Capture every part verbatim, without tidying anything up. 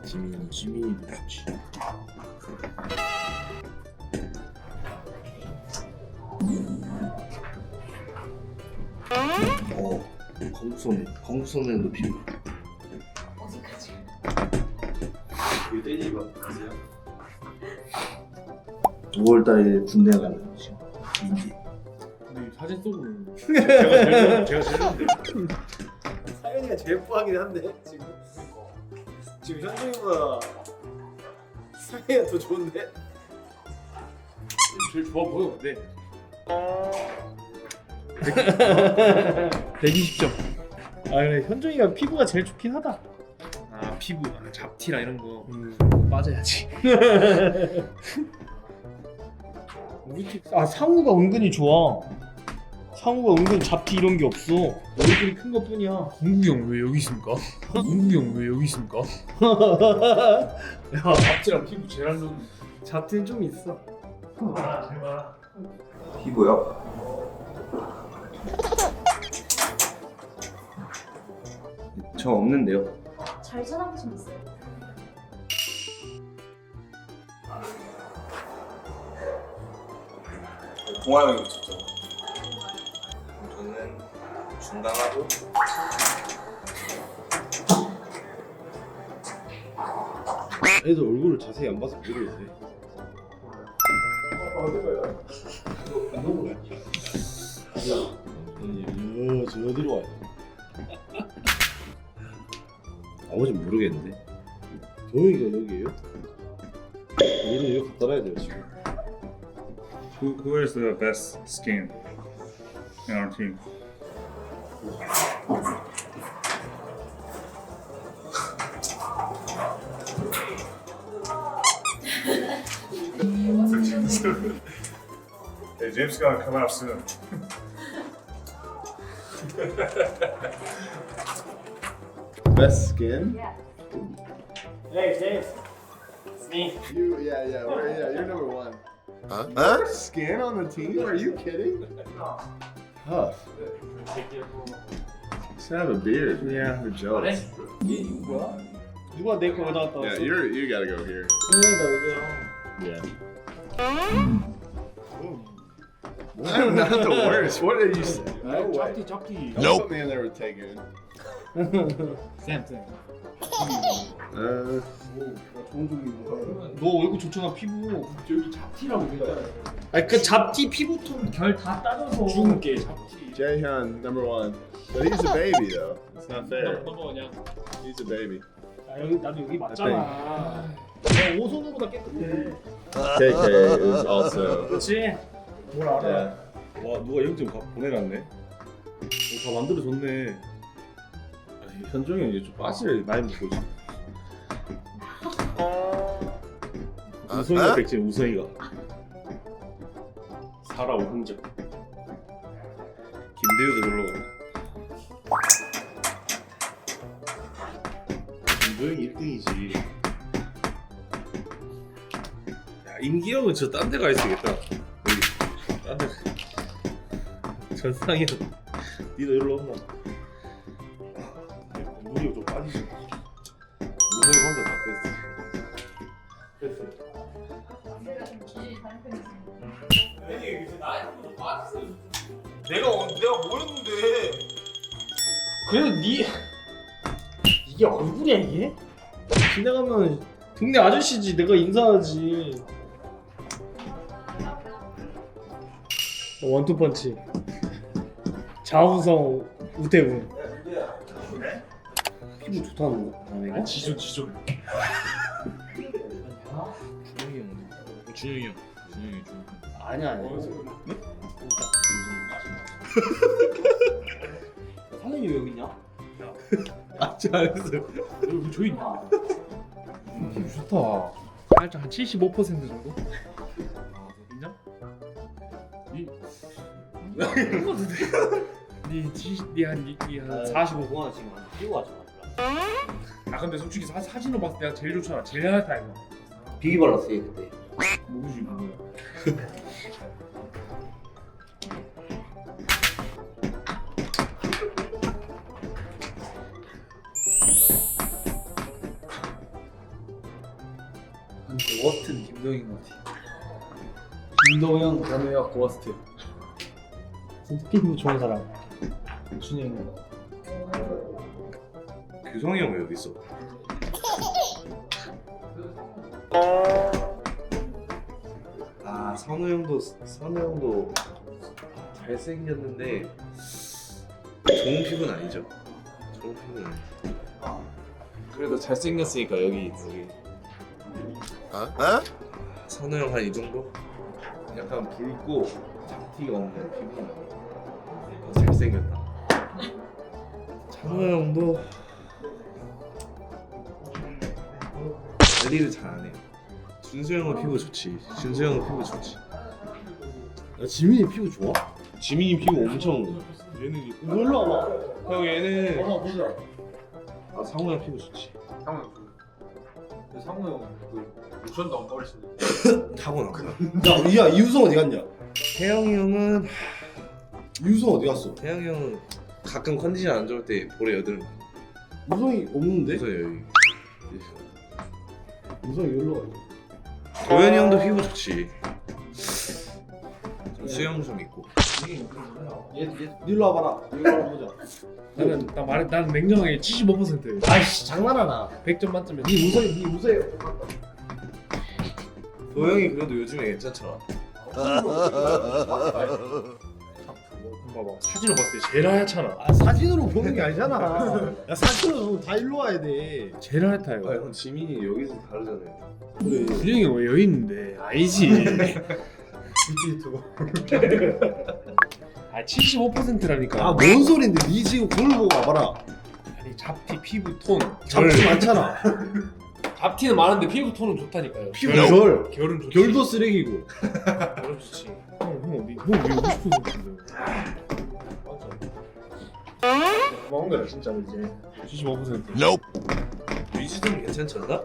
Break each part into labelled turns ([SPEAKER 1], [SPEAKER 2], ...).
[SPEAKER 1] 지민이 지민이도 좋지. 어, 광수선 광수선에도 피부.
[SPEAKER 2] 어디까지?
[SPEAKER 3] 이거 떼지 마. 아세요?
[SPEAKER 1] 오월달에 군대 가는 지금 민지.
[SPEAKER 4] 근데 사진 속으로는 제가 제일 제가 제일 좋은데.
[SPEAKER 3] 사연이가 제일 뽀하긴 한데 지금. 지금 현중이보다 사연이가 더 좋은데?
[SPEAKER 4] 제일 좋아 보여. 근데
[SPEAKER 5] 백이십 점. 아 그래 현종이가 피부가 제일 좋긴 하다.
[SPEAKER 4] 아 피부, 아, 잡티랑 이런 거.
[SPEAKER 5] 음 빠져야지. 우리 팀, 아 상우가 은근히 좋아. 상우가 은근 잡티 이런 게 없어. 얼굴이 큰 것뿐이야.
[SPEAKER 4] 공국이 형 왜 여기 있습니까? 공국이 형 왜 여기 있습니까? 야 잡티랑 피부 제일 안 좋은.
[SPEAKER 5] 잡티는 좀 있어.
[SPEAKER 1] 피부요? 저 없는데요.
[SPEAKER 2] 잘 찾아보시면 있어요.
[SPEAKER 1] 동아 형이 붙였죠. 저는 중강하고
[SPEAKER 3] 애들 얼굴을 자세히 안 봐서 모르겠네. 아니, 저 어디로 와요? 아버지는 모르겠는데. 도영이가 여기에요? 얘는 여기 갖다 놔야 돼요 지금.
[SPEAKER 6] Who, who is the best skin in our team? Hey, James is gonna come out soon.
[SPEAKER 3] Best skin?
[SPEAKER 2] Yeah.
[SPEAKER 5] Hey James, it's me.
[SPEAKER 3] You, yeah, yeah, we're, yeah, you're number one. Huh? Huh? Skin on the team? Are you kidding? Huh. Just have a beard. Yeah, we're jealous.
[SPEAKER 5] 이 뭐야? 누가 내 거 가져갔다 왔어?
[SPEAKER 3] Yeah, you're you gotta go here.
[SPEAKER 5] 나 여기야.
[SPEAKER 3] Yeah. I'm not the worst. What did you say? No way.
[SPEAKER 4] 잡티 잡티.
[SPEAKER 3] Don't put me in there with Taegun.
[SPEAKER 4] 쌤 쌤.
[SPEAKER 3] Uh,
[SPEAKER 5] 좋은 종류인데. 너 얼굴 좋잖아 피부.
[SPEAKER 4] 여기 잡티라고 그랬잖아.
[SPEAKER 5] 아니 그 잡티 피부톤 결 다 따져서.
[SPEAKER 4] 주근깨 잡티.
[SPEAKER 3] Jaehyun, number one. But he's a baby though. It's not fair.
[SPEAKER 4] 넘버냐?
[SPEAKER 3] He's a baby.
[SPEAKER 5] 아 여기 나도 여기 맞잖아. 너 오손우보다 깨끗해.
[SPEAKER 3] K K is also.
[SPEAKER 5] 그렇지. 뭘 알아?
[SPEAKER 3] Yeah.
[SPEAKER 7] 와 누가 영점 보내놨네. 오, 다 만들어줬네. 아니, 현종이 형 이제 좀 빠지를 많이 먹고 있어. 우성이가 백지 우성이가. 살아온 흔적. 김대우도 놀러 가네. 김도영이 일 등이지. 야 임기영은 저 딴 데 가 있어야겠다. 여기 딴 데. 전상이 형. 니도 일로 온나? 물이 좀 빠지지. 우성이 혼자 다 뺐어. 뺐어.
[SPEAKER 2] 제가 좀 기질이 다른 편이지.
[SPEAKER 1] 내가 어, 내가 뭐 했는데?
[SPEAKER 5] 그래도 니 이게 얼굴이야 이게? 지나가면 동네 아저씨지 내가 인사하지. 원투펀치 자우성 우태군. 피부 좋다는 거 아니가?
[SPEAKER 4] 지존 지존.
[SPEAKER 7] 준영이 형. 준영이 형. 준영이 준.
[SPEAKER 5] 아니야 아니야. 사장님 왜 여기 있냐?
[SPEAKER 7] 아직 안 했어.
[SPEAKER 4] 여기 저희 피부 좋다. 살짝 한 칠십오 퍼센트 정도? 인정? 니 니 칠십, 니한 사십오.
[SPEAKER 5] 동안 지금 안 뛰고 가지 마.
[SPEAKER 4] 아 근데 솔직히 사, 사진으로 봤을 때 내가 제일 좋잖아. 제일 하얗다 이거.
[SPEAKER 5] 비기 발랐어 얘 그때.
[SPEAKER 4] 모르지 뭐야.
[SPEAKER 5] 근데 워스트는 김동인 것 같아. 김동현, 변우혁, 워스트. 진짜 피부 좋은 사람. 준영이.
[SPEAKER 7] 규성이 형 왜 여기 있어? 아 선우 형도 선우 형도 잘생겼는데 좋은 피부는 아니죠. 좋은 피부는 아니죠. 그래도 잘생겼으니까 여기 여기. 선우 형 한 이 정도? 약간 붉고 잡티가 없는 피부는 더 잘생겼다. 찬호 형도 관리를 잘 안 해. 준수 형은 피부 좋지. 준수 형은 피부 좋지.
[SPEAKER 3] 야, 지민이 피부 좋아?
[SPEAKER 7] 지민이 피부 엄청. 얘는
[SPEAKER 5] 놀러 와봐.
[SPEAKER 7] 형 얘는
[SPEAKER 5] 한번 보자.
[SPEAKER 7] 아 상호 형 피부 좋지.
[SPEAKER 4] 상우 그 상우 형그 로션도 안 바르시네.
[SPEAKER 7] 타고났구나.
[SPEAKER 3] 야, 야 이우성 어디 갔냐?
[SPEAKER 7] 태영이 형은
[SPEAKER 3] 이우성 어디 갔어?
[SPEAKER 7] 태영이 형은 가끔 컨디션 안 좋을 때 볼에 여드름.
[SPEAKER 3] 우성이 없는데?
[SPEAKER 7] 그래서 여기.
[SPEAKER 3] 우성이 여기로 가.
[SPEAKER 7] 도현이 형도 피부 좋지. 좀 수영 좀 있고.
[SPEAKER 3] 얘, 얘, 일로 와봐라. 이거 한번 보자.
[SPEAKER 4] 나는 나 말해 나는 냉정하게 칠십오 퍼센트.
[SPEAKER 5] 아이씨 장난하나.
[SPEAKER 4] 백 점 만점에.
[SPEAKER 3] 니 우성이, 니 우성이.
[SPEAKER 7] 도영이 그래도 요즘에 괜찮잖아.
[SPEAKER 4] 봐봐 사진을 봤을 때 제일 하얗잖아.
[SPEAKER 3] 아, 사진으로 보는 게 아니잖아. 야, 사진으로 보면 다 일로 와야 돼.
[SPEAKER 4] 제일 하얗다요.
[SPEAKER 7] 아 형 지민이 여기서 다르잖아요.
[SPEAKER 3] 그래.
[SPEAKER 4] 준영이 왜 여기 있는데? 아니지.
[SPEAKER 3] 유튜브.
[SPEAKER 4] 아 칠십오 퍼센트라니까.
[SPEAKER 3] 아, 뭔 소린데? 니 지금 거울 보고 와봐라.
[SPEAKER 4] 아니 잡티 피부 톤.
[SPEAKER 3] 잡티 많잖아.
[SPEAKER 4] 잡티는 많은데 피부 톤은 좋다니까요.
[SPEAKER 3] 피부
[SPEAKER 4] 결,
[SPEAKER 3] 결.
[SPEAKER 4] 결은 좋지.
[SPEAKER 3] 결도 쓰레기고.
[SPEAKER 4] 결은 좋지. 형형 어디 형왜 오고 싶은 건데?
[SPEAKER 3] 먹은 거야 진짜로 이제.
[SPEAKER 4] 칠십오 퍼센트.
[SPEAKER 7] 위즈는 괜찮지 않나?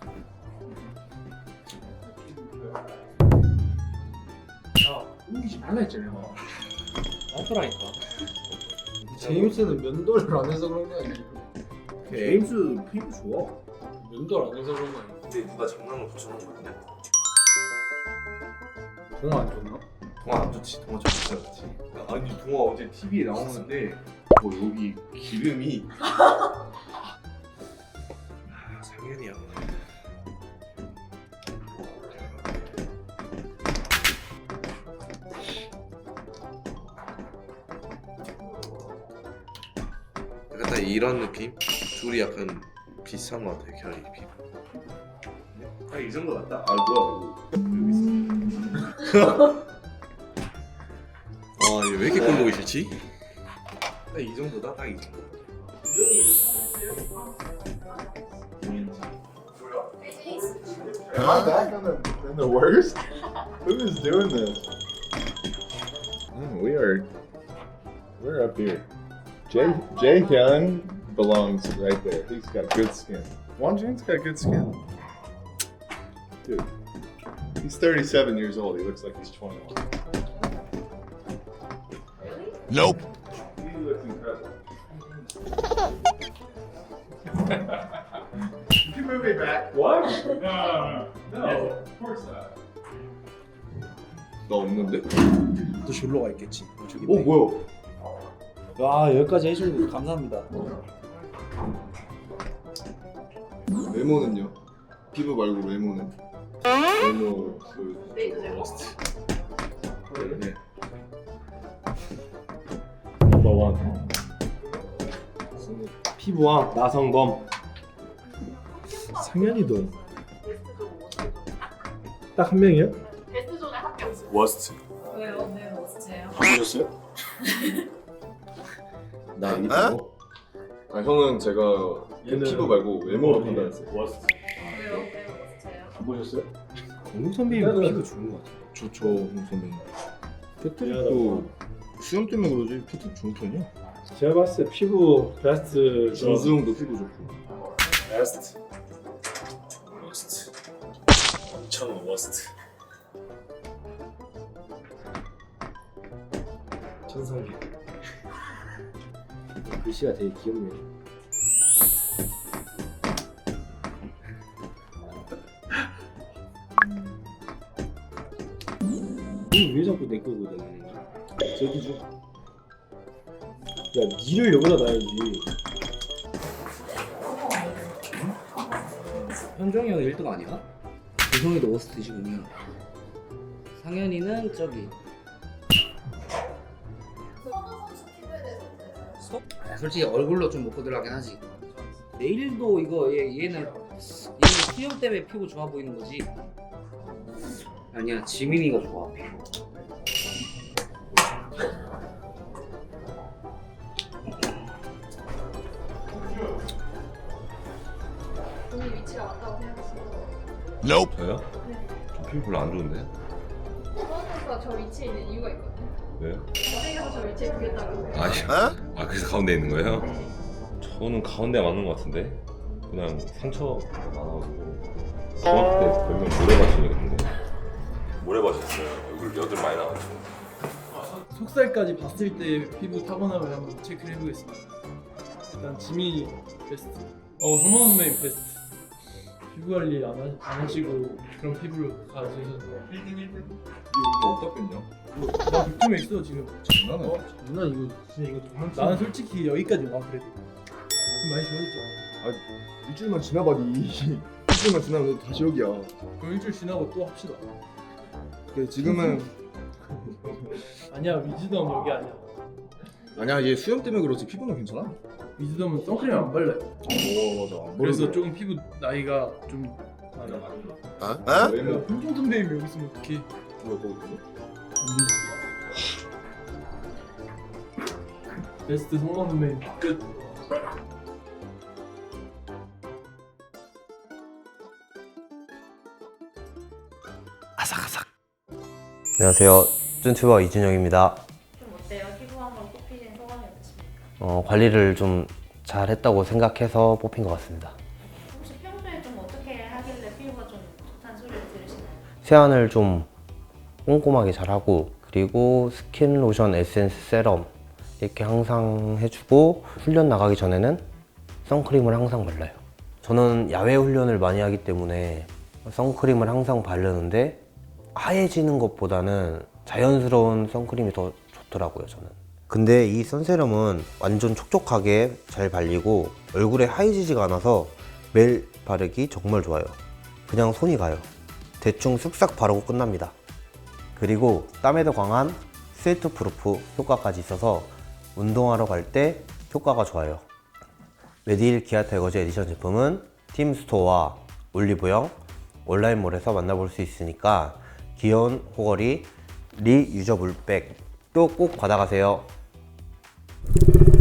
[SPEAKER 4] 야 옮기지 말라 했잖아. 나더라니까.
[SPEAKER 3] 제임스는 면도를 안 해서 그런 거 아니야? 제임스 피부 좋아.
[SPEAKER 4] 면도를 안 해서 그런 거 아니야.
[SPEAKER 7] 근데 누가 장난을 붙여놓은 거 아니야?
[SPEAKER 3] 동화 안 좋나?
[SPEAKER 7] 동화 안 좋지. 동화 진짜 좋지. 아니 동화 어제 티비에 나오는데 뭐 여기 기름이 아, 상현이야. 약간 딱 이런 느낌? 둘이 약간 비슷한 것 같아 결이 비. 딱 이 정도 같다. 아 뭐야 이거 여기 있어. 아, 얘 왜 이렇게 꼴 보기 싫지? 딱 이 정도다, 딱 이 정도.
[SPEAKER 3] Am I back on the, in the worst? Who is doing this? Mm, we are, we're up here. Jay Jay Hyun belongs right there. He's got good skin. Wonjin's got good skin. Dude, he's thirty-seven years old. He looks like he's twenty-one. Nope. He looks incredible. Did you move me back? What? No, no, no. No, of course not.
[SPEAKER 7] 나 없는데?
[SPEAKER 5] 또 졸로 가 있겠지. 저기
[SPEAKER 3] 오 뭐야?
[SPEAKER 5] 와 여기까지 해주는 거 감사합니다.
[SPEAKER 3] 외모는요? 피부 말고 외모는? 외모 그
[SPEAKER 7] 러스트. 네.
[SPEAKER 4] 넘버원.
[SPEAKER 5] 피부왕 나성범.
[SPEAKER 3] 상현이도
[SPEAKER 5] 딱 한 명이요?
[SPEAKER 2] 베스트존에 합격.
[SPEAKER 3] 워스트.
[SPEAKER 2] 왜요? 왜 워스트예요?
[SPEAKER 3] 보셨어요?
[SPEAKER 7] 나 이거?
[SPEAKER 3] 아 형은 제가 피부 말고 외모로 판단했어요.
[SPEAKER 4] 워스트.
[SPEAKER 2] 왜요? 왜 워스트예요?
[SPEAKER 3] 안 보셨어요?
[SPEAKER 5] 공선배님 피부 좋은 것 같아.
[SPEAKER 3] 좋죠, 홍 선배님. 패트릭도 수염 때문에 그러지 패트릭 좋은 편이야.
[SPEAKER 4] 제가 봤을 때 피부 베스트
[SPEAKER 3] 정수영도 피부 좋고.
[SPEAKER 4] 베스트. 워스트. 천원 워스트.
[SPEAKER 5] 천성기. 글씨가 되게 귀엽네. 이왜 자꾸 내 거거든. 저기 줘. 야, 니를 여기다 놔야지. 현종이 형 일 등 아니야? 조성이도 워스트시군요. 상현이는 저기.
[SPEAKER 2] 선우 선수 피부에 대해서 어떠세요?
[SPEAKER 5] 아, 솔직히 얼굴로 좀 먹고 들어가긴 하지. 내일도 이거 얘, 얘는 얘는 수염 때문에 피부 좋아 보이는 거지. 아니야, 지민이가 좋아 피부.
[SPEAKER 2] 본인 위치가 맞다고 생각하시나요?
[SPEAKER 8] 저요? 저 피부 별로 안 좋은데.
[SPEAKER 2] 선우 선수가 저 위치에 있는 이유가 있거든요.
[SPEAKER 8] 왜요?
[SPEAKER 2] 잘생겨서 저 위치에 두겠다고.
[SPEAKER 8] 아, 아 그래서 가운데 있는 거예요? 저는 가운데 맞는 것 같은데. 그냥 상처가 많아가지고. 중학교 때 별명 모래밭이거든요. 모래밭이었어요. 얼굴 여드름 많이 나가지고.
[SPEAKER 9] 속살까지 봤을 때 피부 타고남을 한번 체크를 해보겠습니다. 일단 지민이 베스트. 어 성만 선배님 베스트. 피부 관리 안, 하, 안 하시고 그런 피부를 가지셔서
[SPEAKER 3] 일 등 일 등. 이거 어디다 뺐냐?
[SPEAKER 9] 나 느낌에 있어 지금.
[SPEAKER 3] 장난해.
[SPEAKER 9] 어? 누나 이거 진짜 이거 정말 나는 솔직히 여기까지 와 그래도 좀 많이 좋아졌죠.
[SPEAKER 3] 일주일만 지나봐니. 일주일만 지나면 다시 여기야.
[SPEAKER 9] 그럼 일주일 지나고 또 합시다.
[SPEAKER 3] 그래, 지금은
[SPEAKER 9] 아니야 위즈덤 여기 아니야.
[SPEAKER 3] 아니야, 얘 수염 때문에 그렇지 피부는 괜찮아.
[SPEAKER 9] 위즈덤은 선크림 안 발라요.
[SPEAKER 3] 오, 맞아.
[SPEAKER 9] 그래서 조금 피부 나이가 좀 많아.
[SPEAKER 3] 아?
[SPEAKER 9] 야, 현종 선배님 여기 있으면 어떡해.
[SPEAKER 3] 뭐, 뭐, 뭐?
[SPEAKER 9] 베스트 성만 선배님 끝.
[SPEAKER 10] 안녕하세요. 쭌튜버 이준영입니다.
[SPEAKER 2] 좀 어때요? 피부 한번 뽑히신 소감이 어떠십니까?
[SPEAKER 10] 어, 관리를 좀 잘했다고 생각해서 뽑힌 것 같습니다.
[SPEAKER 2] 혹시 평소에 좀 어떻게 하길래 피부가 좀 좋다는 소리를 들으시나요?
[SPEAKER 10] 세안을 좀 꼼꼼하게 잘하고 그리고 스킨, 로션, 에센스, 세럼 이렇게 항상 해주고 훈련 나가기 전에는 선크림을 항상 발라요. 저는 야외 훈련을 많이 하기 때문에 선크림을 항상 바르는데 하얘지는 것보다는 자연스러운 선크림이 더 좋더라고요, 저는. 근데 이 선세럼은 완전 촉촉하게 잘 발리고 얼굴에 하얘지지가 않아서 매일 바르기 정말 좋아요. 그냥 손이 가요. 대충 쓱싹 바르고 끝납니다. 그리고 땀에도 강한 스웨트 프루프 효과까지 있어서 운동하러 갈 때 효과가 좋아요. 메디힐 기아 타이거즈 에디션 제품은 팀스토어와 올리브영, 온라인몰에서 만나볼 수 있으니까 귀여운 호거리 리유저블 백도 꼭 받아가세요.